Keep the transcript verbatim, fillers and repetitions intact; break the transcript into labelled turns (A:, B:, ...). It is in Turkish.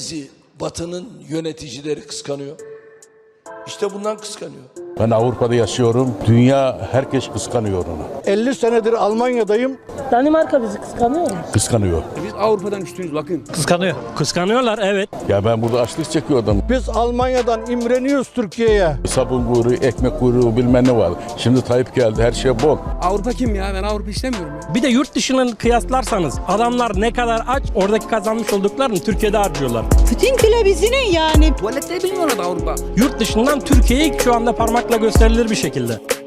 A: bizi Batı'nın yöneticileri kıskanıyor? İşte bundan kıskanıyor.
B: Ben Avrupa'da yaşıyorum. Dünya herkes kıskanıyor onu.
C: elli senedir Almanya'dayım.
D: Danimarka bizi kıskanıyor mu?
B: Kıskanıyor.
E: Biz Avrupa'dan üstünüz bakın.
F: Kıskanıyor. Kıskanıyorlar, evet.
B: Ya ben burada açlık çekiyordum.
C: Biz Almanya'dan imreniyoruz Türkiye'ye.
B: Sabun kuyruğu, ekmek kuyruğu bilmem ne var. Şimdi Tayyip geldi, her şey bol.
E: Avrupa kim ya? Ben Avrupa istemiyorum ya.
F: Bir de yurt dışının kıyaslarsanız adamlar ne kadar aç, oradaki kazanmış olduklarını Türkiye'de harcıyorlar.
G: Bütün kilobizinin yani.
E: Tuvalette bilmiyorlar da Avrupa.
F: Yurt dışından Türkiye'yi şu anda parmakla gösterilir bir şekilde.